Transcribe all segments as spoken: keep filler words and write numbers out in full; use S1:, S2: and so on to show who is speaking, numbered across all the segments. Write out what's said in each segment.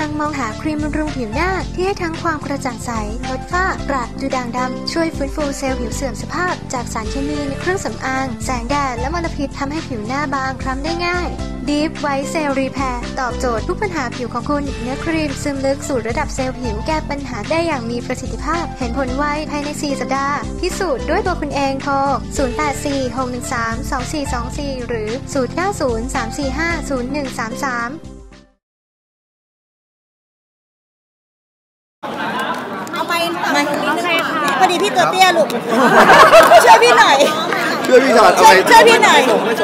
S1: งมองหาครีมบำรุงผิวหน้าที่ให้ทั้งความกระจ่างใสลดฝ้ากระดูด่างดำช่วยฟื้นฟูเซลล์ผิวเสื่อมสภาพจากสารเคมีในเครื่องสำอางแสงแดดและมลพิษทำให้ผิวหน้าบางคล้ำได้ง่าย Deep White Cell Repair ตอบโจทย์ทุกปัญหาผิวของคุณเนื้อครีมซึมลึกสู่ระดับเซลล์ผิวแก้ปัญหาได้อย่างมีประสิทธิภาพเห็นผลไวภายในสี่สัปดาห์พิสูจน์ด้วยตัวคุณเองโทรศูนย์ แปด สี่ หก หนึ่ง สาม สอง สี่ สอง สี่หรือศูนย์ เก้า ศูนย์ สาม สี่ ห้า ศูนย์ หนึ่ง สาม สาม
S2: เอาไปมาพอดีพี่ตัวเตี้ยลูกช่วยพี่หน่อย
S3: ช่วยพี่ชอดเอาไป
S2: ช่วยพี่หน่อย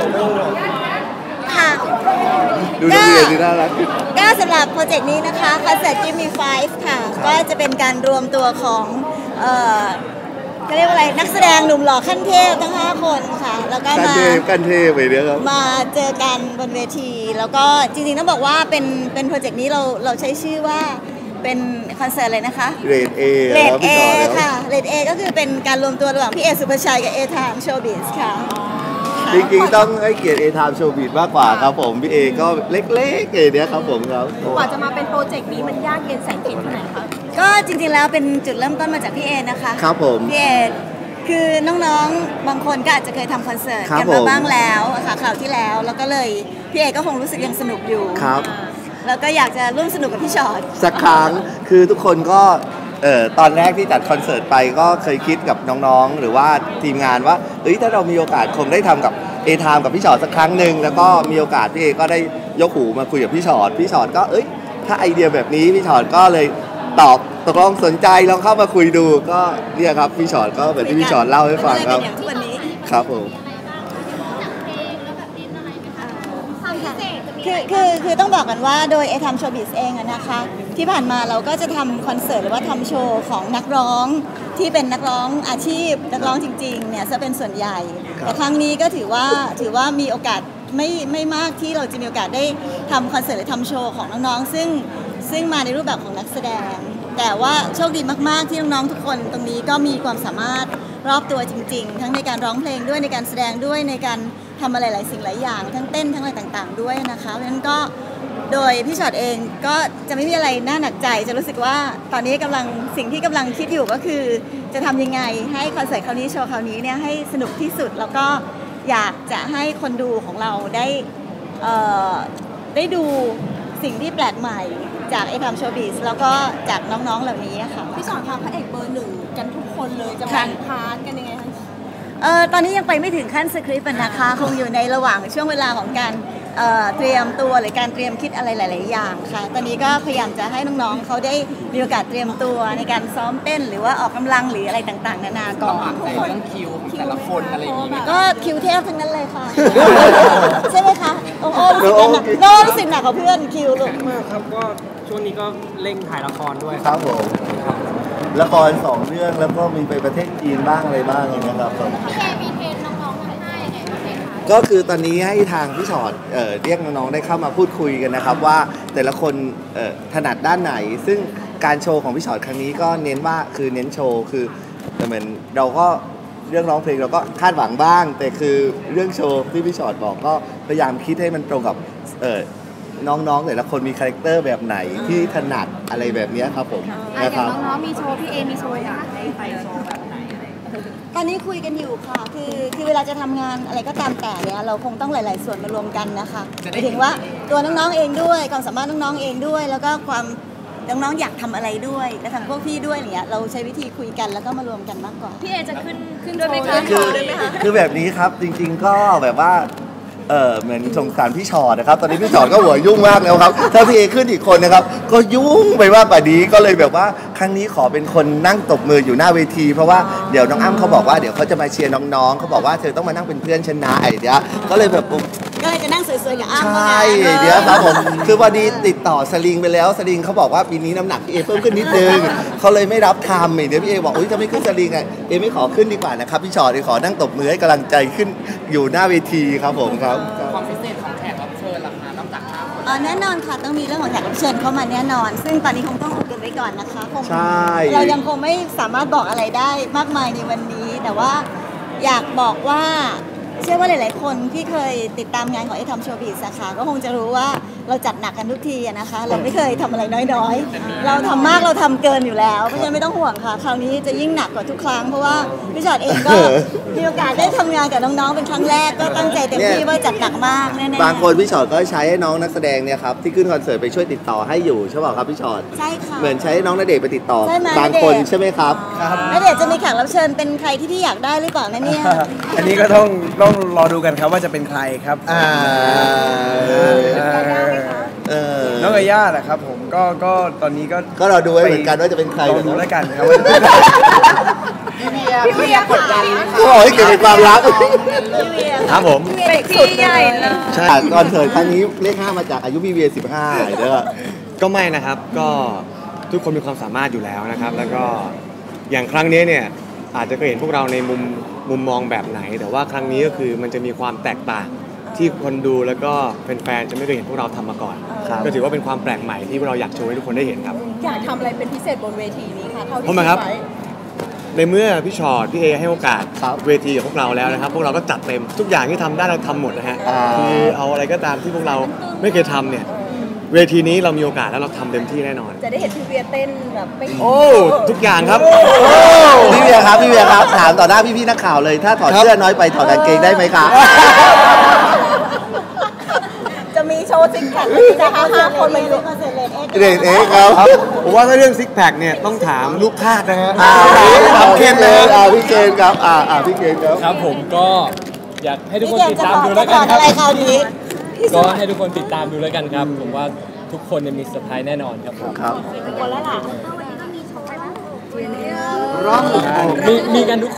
S2: ค่ะ
S3: ดูนักเรียนที่น่ารัก
S2: ก็สำหรับโปรเจกต์นี้นะคะคอนเสิร์ต Give Me Five ค่ะก็จะเป็นการรวมตัวของเอ่อเขาเรียกว่าอะไรนักแสดงหนุ่มหล่อขั้นเทพทั้งห้าคนค่ะแล้วก็มา
S3: ขั้นเทพไปเนี้ยครับ
S2: มาเจอกันบนเวทีแล้วก็จริงๆต้องบอกว่าเป็นเป็นโปรเจกต์นี้เราเราใช้ชื่อว่าเป็นคอนเสิร์ตเลยนะคะ
S3: เรดเอ
S2: เรดเอค่ะเรดเอก็คือเป็นการรวมตัวระหว่างพี่เอสุภชัยกับเอไทม์โชว์บิสค่ะ
S3: จริงๆต้องให้เกียรติเอไทม์โชว์บิสมากกว่าครับผมพี่เอก็เล็กๆเอเนี้ยครับผมครับ
S4: กว่าจะมาเป็นโปรเจกต์นี้มันยากเย็นแสนเข็ญที่ไหนคะ
S2: ก็จริงๆแล้วเป็นจุดเริ่มต้นมาจากพี่เอนะคะ
S3: ครับผม
S2: พี่เอคือน้องๆบางคนก็อาจจะเคยทำคอนเสิร์ตกันมาบ้างแล้วค่ะคราวที่แล้วแล้วก็เลยพี่เอก็คงรู้สึกยังสนุกอยู่
S3: ครับ
S2: แล้วก็อยากจะร่วมสนุกกับพี่ชอต
S3: สักครั้งคือทุกคนก็เอ่อตอนแรกที่จัดคอนเสิร์ตไปก็เคยคิดกับน้องๆหรือว่าทีมงานว่าเอ้ยถ้าเรามีโอกาสคงได้ทำกับเอไทม์กับพี่ชอตสักครั้งหนึ่งแล้วก็มีโอกาสพี่เอก็ได้ยกหูมาคุยกับพี่ชอตพี่ชอตก็เอ้ยถ้าไอเดียแบบนี้พี่ชอตก็เลยตอบตกลงสนใจลองเข้ามาคุยดูก็เนี่ยครับพี่ชอตก็แบบที่พี่ชอตเล่าให้ฟังครับครับผม
S2: คือคือคือต้องบอกกันว่าโดยไอทำโชว์บิสเองนะคะที่ผ่านมาเราก็จะทำคอนเสิร์ตหรือว่าทำโชว์ของนักร้องที่เป็นนักร้องอาชีพนักร้องจริงๆเนี่ยจะเป็นส่วนใหญ่แต่ครั้งนี้ก็ถือว่าถือว่ามีโอกาสไม่ไม่มากที่เราจะมีโอกาสได้ทำคอนเสิร์ตหรือทำโชว์ของน้องๆซึ่งซึ่งมาในรูปแบบของนักแสดงแต่ว่าโชคดีมากๆที่น้องๆทุกคนตรงนี้ก็มีความสามารถรอบตัวจริงๆทั้งในการร้องเพลงด้วยในการแสดงด้วยในการทำอะไรหลายสิ่งหลายอย่างทั้งเต้นทั้งอะไรต่างๆด้วยนะคะเพราะฉะนั้นก็โดยพี่ชอตเองก็จะไม่มีอะไรน่าหนักใจจะรู้สึกว่าตอนนี้กำลังสิ่งที่กำลังคิดอยู่ก็คือจะทำยังไงให้คอนเสิร์ตคราวนี้โชว์คราวนี้เนี่ยให้สนุกที่สุดแล้วก็อยากจะให้คนดูของเราได้เอ่อได้ดูสิ่งที่แปลกใหม่จากไอทำโชว์บิสแล้วก็จากน้องๆเหล่านี้ค่ะ
S4: พี่ชอตทำพระเอกเบอร์หนึ่งกันทุกคนเลยจะแบ่งพาร์ทกันยังไงคะ
S2: เออตอนนี้ยังไปไม่ถึงขั้นสคริปต์นะคะคงอยู่ในระหว่างช่วงเวลาของการเอ่อเตรียมตัวหรือการเตรียมคิดอะไรหลายๆอย่างค่ะตอนนี้ก็พยายามจะให้น้องๆเขาได้มีโอกาสเตรียมตัวในการซ้อมเต้นหรือว่าออกกำลังหรืออะไรต่างๆนานาก่อน
S5: ทุกคนต้องคิวแต่ละคนอะไรอย่างนี้
S2: ก็คิวเทพทั้งนั้นเลยค่ะใช่ไหมคะโอ้โหรู้สึกหนักโน้รู้สึกหนักกว่าเพื่อนคิวลูก
S5: มากครับก็ช่วงนี้ก็เร่งถ่ายละครด้วย
S3: ครับผมละครสองเรื่องแล้วก็มีไปประเทศจีนบ้างอะไรบ้างอย่างเงี้ยครับ
S4: พี่แกมีเทรนน้องๆทำให้ยังไงบ้างคะ
S3: ก็คือตอนนี้ให้ทางพี่ชอตเอ่อเรียกน้องๆได้เข้ามาพูดคุยกันนะครับว่าแต่ละคนเอ่อถนัดด้านไหนซึ่งการโชว์ของพี่ชอตครั้งนี้ก็เน้นว่าคือเน้นโชว์คือเหมือนเราก็เรื่องร้องเพลงเราก็คาดหวังบ้างแต่คือเรื่องโชว์ที่พี่ชอตบอกก็พยายามคิดให้มันตรงกับเอ่อน้องๆแต่ละคนมีคาแรคเตอร์แบบไหนที่ถนัดอะไรแบบนี้ครับผม
S4: นะครับน้องๆมีโชว์พี่เอมีโชว์อยากให้ไปโชว์แบบไหน
S2: ตอนนี้คุยกันอยู่ค่ะคือคือเวลาจะทำงานอะไรก็ตามแต่เนี่ยเราคงต้องหลายๆส่วนมารวมกันนะคะหมายถึงว่าตัวน้องๆเองด้วยความสามารถน้องๆเองด้วยแล้วก็ความน้องๆอยากทำอะไรด้วยและทางพวกพี่ด้วยอย่างเงี้ยเราใช้วิธีคุยกันแล้วก็มารวมกันมากกว่า
S4: พี่เอจะขึ้นขึ้นด้วยไหมคะ
S3: คือแบบนี้ครับจริงๆก็แบบว่าเออเหมือนสงสารพี่ชอตนะครับตอนนี้พี่ชอตก็หัวยุ่งมากแล้วครับถ้าพี่เอขึ้นอีกคนนะครับก็ยุ่งไปมากกว่านี้ก็เลยแบบว่าครั้งนี้ขอเป็นคนนั่งตบมืออยู่หน้าเวทีเพราะว่าเดี๋ยวน้องอ้ำเขาบอกว่าเดี๋ยวเขาจะมาเชียร์น้องๆเขาบอกว่าเธอต้องมานั่งเป็นเพื่อนฉันนะไอเดียก็เลยแบบ
S2: ก็เลยจะนั่งสวยๆกับอ้ำ
S3: ใช่เดี๋ยวครับผมคือวันนี้ติดต่อสลิงไปแล้วสลิงเขาบอกว่าปีนี้น้ำหนักพี่เอเพิ่มขึ้นนิดนึงเขาเลยไม่รับทำเดี๋ยวพี่เอบอกอุ้ยจะไม่ขึ้นสลิงไงเอไม่ขอขึ้นดีกว่านะครับพี่ชอตขอนั่งตบมือให้กำลังใจขึ้นอยู่หน้าเวทีครับผมครับ
S5: ความพิเศษของแขกรับเชิญล่ะคะนอกจากห้าคน
S2: อ๋อแน่นอนค่ะต้องมีเรื่องของแขกรับเชิญเข้ามาแน่นอนซึ่งตอนนี้คงต้องอุบกันไว้ก่อนนะคะคงเรายังคงไม่สามารถบอกอะไรได้มากมายในวันนี้แต่ว่าอยากบอกว่าเชื่อว่าหลายๆคนที่เคยติดตามงานของไอทอมโชว์บิสค่ะก็คงจะรู้ว่าเราจัดหนักกันทุกทีอะนะคะ เราไม่เคยทำอะไรน้อยๆ เราทำมากเราทำเกินอยู่แล้วเพราะฉะนั้นไม่ต้องห่วงค่ะคราวนี้จะยิ่งหนักกว่าทุกครั้งเพราะว่าพี่ชอตเองก็มีโอกาสได้ทำงานกับน้องๆเป็นครั้งแรกก็ตั้งใจเต็มที่ว่าจัดหนักมากแน่ๆ
S3: บางคนพี่ชอตก็ใช้ให้น้องนักแสดงเนี่ยครับที่ขึ้นคอนเสิร์ตไปช่วยติดต่อให้อยู่ใช่เปล่าครับพี่ชอต
S2: ใช่ค่ะ
S3: เหมือนใช้น้องณเดชน์ไปติดต่อ
S2: ใช่ไหม
S3: บางคน
S2: ณเดชน์
S3: ใช่ไหมครับ
S2: แล้วเดี๋ยวจะมีแขกรับเชิญเป็นใครที่พี่อยากได้หรือเปล่านะเนี่ย
S6: อันนี้ก็ต้องต้องรอดูกันครับว่าจะเป็นใครครับ
S3: อ่า
S6: เออ
S3: เออ
S6: น้องเอย่าแหละครับผมก็ก็ตอนนี้ก็
S3: ก็เราดูไว้เหมือนกันว่าจะเป็นใคร
S6: รอดูแล้วกันครับว่าจะเป็น
S5: พี่เวียพี่เวียกดดันไหมคะ
S3: เขาบอกให้เก็บเป็นความลับ
S2: พี่เวีย
S6: ครับผม
S2: เด็กสุดใหญ่เลย
S3: ใช่คอนเสิร์ตครั้งนี้เลขห้ามาจากอายุพี่เวียสิบห้าเด้อ
S7: ก็ไม่นะครับก็ทุกคนมีความสามารถอยู่แล้วนะครับ แล้วก็อย่างครั้งนี้เนี่ยอาจจะเคยเห็นพวกเราในมุมมุมมองแบบไหน แต่ว่าครั้งนี้ก็คือมันจะมีความแตกต่างที่คนดูแล้วก็แฟนๆจะไม่เคยเห็นพวกเราทำมาก่อน
S3: ครับ
S7: ก็ถือว่าเป็นความแปลกใหม่ที่พวกเราอยากโชว์ให้ทุกคนได้เห็นครับ
S4: อยากทำอะไรเป็นพิเศษบนเวทีนี้คะเท่าที่
S7: ทำไมครับ
S4: ดไว้
S7: ในเมื่อพี่ชอตพี่เอให้โอกาส
S3: ครับ
S7: เวทีกับพวกเราแล้วนะครับ พวกเราก็จัดเต็มทุกอย่างที่ทำได้เราทำหมดนะฮะ
S3: อ่า
S7: คือเอาอะไรก็ตามที่พวกเราไม่เคยทำเนี่ยเวทีนี้เรามีโอกาสแล้วเราทำเต็มที่แน่นอน
S4: จะได้เห็นพี่เวียเต้นแบบไม่
S7: โอ้ทุกอย่างครับ
S3: พี่เวียครับพี่เวียครับถามต่อหน้าพี่ๆนักข่าวเลยถ้าถอดเสื้อน้อยไปถอดกางเกงได้ไหมครับ
S2: จะมีโชว์ซิงแพคจะห้าห้าคนมาอยู่คอนเสิร์ตเลนเอ็กซ์
S3: เด็กเอ็กซ์ครับ
S7: ผมว่าถ้าเรื่องซิกแพคเนี่ยต้องถามลูกทาสนะฮะ
S3: อ่า
S7: ถามเคนเลย
S3: อ่าพี่เคนครับอ่าอ่าพี่เคนครับ
S8: ครับผมก็อยากให้ทุกคน
S2: พี่เก
S8: ติด
S2: จะ
S8: ตาม
S2: ถอด
S8: ดู
S2: จะ
S8: แล้ว
S2: ถ
S8: กั
S2: อน ด
S8: ครั
S2: อะ
S8: บ
S2: ไรคราวนี้
S8: ก็ให้ทุกคนติดตามดูแล้วกันครับ ผมว่าทุกคนเนี่ยมีเซอร์ไพรส์แน่นอนครับผม
S3: ครับ
S2: คนแล้วล่ะ
S8: มีมีกันทุก